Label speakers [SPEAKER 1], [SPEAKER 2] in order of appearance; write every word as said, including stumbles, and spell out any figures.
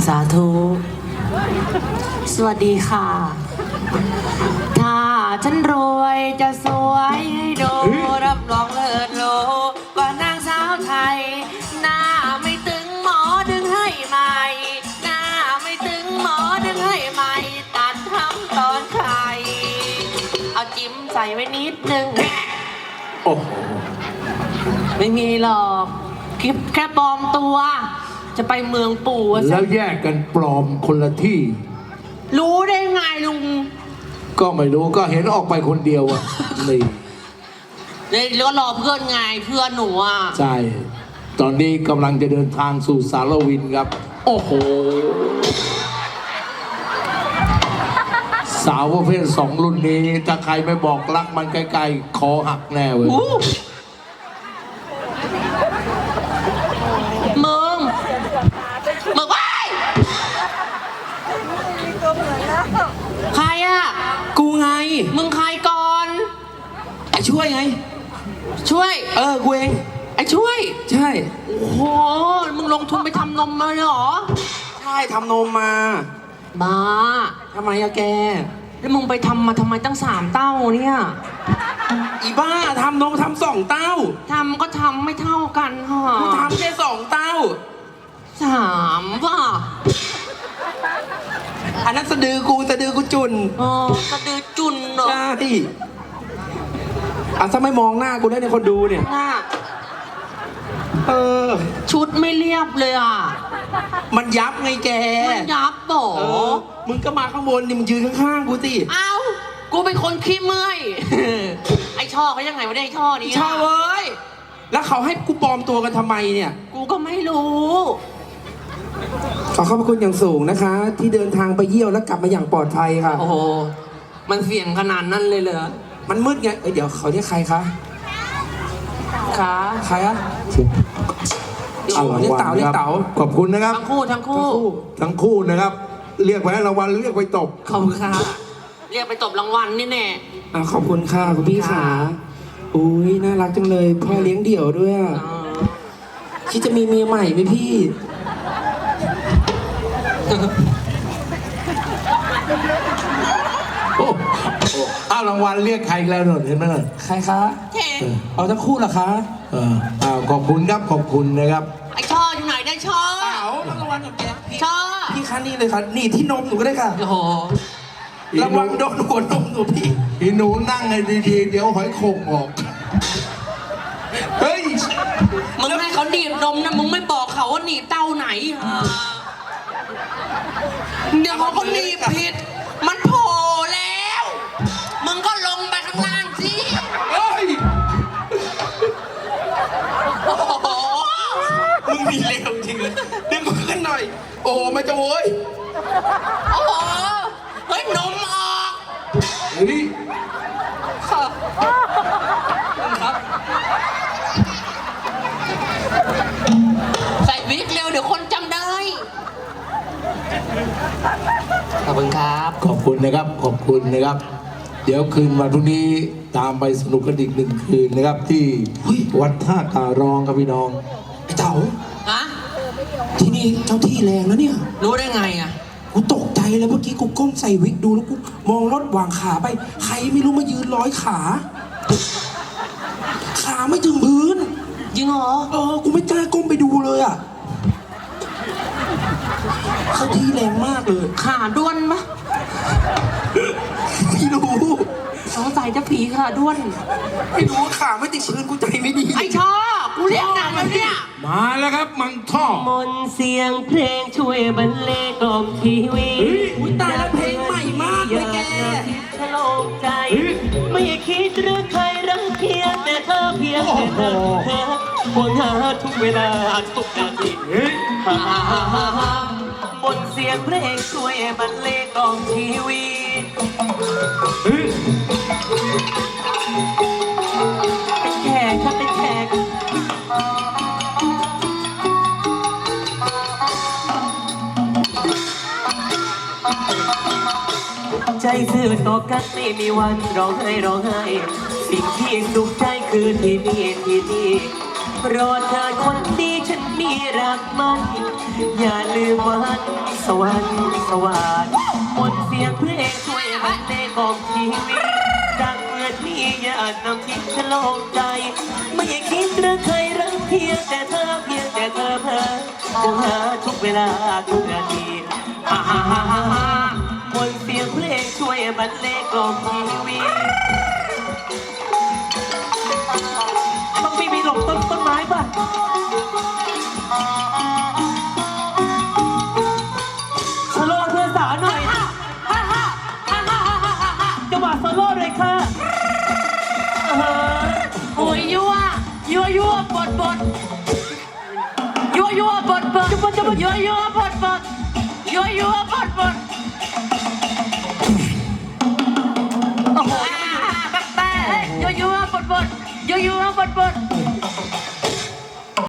[SPEAKER 1] าธุสวัสดีค่ะถ้าฉันรวยจะสวยให้ดูรับรองเลิศโลกว่านางสาวไทยหน้าไม่ตึงหมอดึงให้ใหม่หน้าไม่ตึงหมอดึงให้ใหม่ตัดทำตอนไข่เอาจิ้มใส่ไว้นิดนึง
[SPEAKER 2] โอ้
[SPEAKER 1] ไม่มีหรอกคลิปแค่ปลอมตัวจะไปเมืองปู่
[SPEAKER 2] แล้วแยกกันปลอมคนละที่
[SPEAKER 1] รู้ได้ไงลุง
[SPEAKER 2] ก็ไม่รู้ก็เห็นออกไปคนเดียวอ่ะนี่
[SPEAKER 1] เนี่ยแล้วรอเพื่อนไงเพื่อนหนูอ่ะ
[SPEAKER 2] ใช่ตอนนี้กำลังจะเดินทางสู่สารวินครับโอ้โหสาวประเภทสองรุ่นนี้ถ้าใครไม่บอกรักมันใกล้ๆคอหักแน่เว้ย
[SPEAKER 1] มึงมึงว้ายใครอ่ะ
[SPEAKER 3] กูไง
[SPEAKER 1] มึงใครก่อน
[SPEAKER 3] ไอ้ช่วยไง
[SPEAKER 1] ช่วย
[SPEAKER 3] เออกูเอง
[SPEAKER 1] ไอ้ช่วย
[SPEAKER 3] ใช่
[SPEAKER 1] โอ้โหมึงลงทุนไปทำนมมาเลยเหรอ
[SPEAKER 3] ใช่ทำนมมา
[SPEAKER 1] บ้า
[SPEAKER 3] ทำไมอะแก
[SPEAKER 1] แล้วมึงไปทำมาทำไมตั้งสามเต้าเนี่ย
[SPEAKER 3] อีบ้าทำนมทำสองเต้า
[SPEAKER 1] ทำก็ทำไม่เท่ากันฮะ
[SPEAKER 3] กูทำแค่สองเต้า
[SPEAKER 1] สามป่ะ
[SPEAKER 3] อันนั้นสะดือกูสะดือกูจุน
[SPEAKER 1] อ๋อสะดือจุนเหรอ
[SPEAKER 3] ใช่อ่ะถ้าไม่มองหน้ากูได้ในคนดูเนี่ย
[SPEAKER 1] หน้า
[SPEAKER 3] เออ
[SPEAKER 1] ชุดไม่เรียบเลยอ่ะ
[SPEAKER 3] มันยับไงแก
[SPEAKER 1] มันยับโบ
[SPEAKER 3] มึงก็มาข้างบนนี่มึงยืนข้างๆกูสิ
[SPEAKER 1] เอ้ากูเป็นคนขี้เมื่อยไอ้ช่อเขายังไงวะเนี่ยไอ้ช่อนี้
[SPEAKER 3] ช่อเว้ยแล้วเขาให้กูปลอมตัวกันทำไมเนี่ย
[SPEAKER 1] กูก็ไม่รู้
[SPEAKER 3] ขอขอบพระคุณอย่างสูงนะคะที่เดินทางไปเยี่ยวแล้วกลับมาอย่างปลอดภัยค่ะ
[SPEAKER 1] โอ้โหมันเสี่ยงขนาดนั้นเลยเหรอ
[SPEAKER 3] มันมืดไงเอ้ยเดี๋ยวเขาเรียกใครคะ
[SPEAKER 1] คะ
[SPEAKER 3] ใครอะเอาเรียกเต๋าเรียกเต๋า
[SPEAKER 2] ขอบคุณนะครับ
[SPEAKER 1] ทั้งคู่ทั้งคู่
[SPEAKER 2] ทั้งคู่นะครับเรียกไปให้รางวัลเรียกไปตบ
[SPEAKER 1] ขอบคุณค่ะเรียกไปตบรางวัลนี่แน่
[SPEAKER 3] อ่าขอบคุณค่ะคุณพี่ขาอุ้ยน่ารักจังเลยพ่อเลี้ยงเดี่ยวด้วยอ่ะคิดจะมีเมียใหม่ไหมพี่
[SPEAKER 2] โอ้อ้าวรางวัลเรียกใครแล้วหน่อยเห็นไหมหน่อย
[SPEAKER 3] ใครคะเอาทั้งคู่เหรอคะ
[SPEAKER 2] เอออ้าวขอบคุณครับขอบคุณนะครับ
[SPEAKER 1] ไอ้ช่ออยู่ไหนได้ช่อ
[SPEAKER 3] เต๋ารางวัลกับแก
[SPEAKER 1] ช่อ
[SPEAKER 3] พี่คะนี่เลยค่ะนี่ที่นมหนูก็ได้ค่ะ
[SPEAKER 1] โอ้โห
[SPEAKER 3] รางวัลโดนหัวนมหนูพี่
[SPEAKER 2] อีหนูนั่งให้ดีๆเดี๋ยวหอยโข่งออกเฮ้ย
[SPEAKER 1] มึงให้เขาหนีบนมนะมึงไม่บอกเขาว่าหนีบเต้าไหนเดี๋ยวเขาก็หนีบผิดมันโผล่แล้วมึงก็ลงไปข้างล่างสิ
[SPEAKER 3] เฮ้ย
[SPEAKER 1] โอ้โห
[SPEAKER 3] มึงมีเลวจริงเลยดึงขึ้นหน่อยโอ้ไม่จะโว้ย
[SPEAKER 1] โอ้โหเฮ้ยนมออก
[SPEAKER 2] เฮ้ย
[SPEAKER 1] ครับใส่วิกเร็วเดี๋ยวคนจำได้ขอบคุณครับ
[SPEAKER 2] ขอบคุณนะครับขอบคุณนะครับเดี๋ยวคืนวันพรุ่งนี้ตามไปสนุกกันอีกหนึ่งคืนนะครับที่วัดท่าตารองครับพี่น้อง
[SPEAKER 3] ไอ้เต๋า
[SPEAKER 1] ฮะ
[SPEAKER 3] ที่นี่เจ้าที่แรงแล้วเนี่ย
[SPEAKER 1] รู้ได้ไงอ่ะ
[SPEAKER 3] กูตกใจเลยเมื่อกี้กูก้มใส่วิกดูแล้วกูมองรถวางขาไปใครไม่รู้มายืนร้อยขาขาไม่ถึงพื้น
[SPEAKER 1] จริงเหรอ
[SPEAKER 3] เออกูไม่กล้าก้มไปดูเลยอ่ะเขาที่แรงมากเลย
[SPEAKER 1] ขาด้วนมะ
[SPEAKER 3] ไม่รู้
[SPEAKER 1] สงสัยจะผีขาด้วน
[SPEAKER 3] ไม่รู้ขาไม่ติดพื้นกูใจไม่ดี
[SPEAKER 1] ไอ้ชอกูเรียกหนักแล้วเนี่ย
[SPEAKER 2] มาแล้วครับมังท่อ
[SPEAKER 1] มนเสียงเพลงช่วยบรรเลงกล่อมทีวี
[SPEAKER 3] อุ้ยตายแล้วเพลงใหม่มากเลยแก
[SPEAKER 1] ฉลองใจไม่คิดหรือใครรังเกียจแต่เธอเพียงแต่เธอวนหาทุกเวลาทุกนาทีฮ่าฮ่าฮ่าฮ่ามนเสียงเพลงช่วยบรรเลงกล่อมทีวีเป็นแขกครับเป็นแขกใจซื่อต่อกันไม่มีวันร้องไห้ร้องไห้สิ่งที่สุขใจคือที่นี่ที่นี่รอเธอคนดีฉันมีรักมันอย่าลืมวันสวรรค์สวัสดิ์มนต์เสียงเพลงช่วยบรรเลงบอกชีวิตดังเหมือนมีญาตินำทิพย์ฉลองใจ ไม่คิดเรื่องใครรักเพียงแต่เธอเพียงแต่เธอเพ้อคงหาทุกเวลาทุกนาทีฮ่าฮ่าฮ่าฮ่าฮ่ามนต์เสียงเพลงช่วยบรรเลงกล่อมชีวิตต้องมีมีหลบต้นต้นไม้ป่ะโซโล่เพื่อนสาวหน่อยจังหวะโซโล่เลยค่ะโอ้ยยั่วยั่วยั่วบดบดยั่วยั่วบดบดจับจับยั่วยั่วบดบดยั่วยั่วบดบดโอ้โหแป๊บแป๊บยั่วยั่วบดบดยั่วยั่วบดบด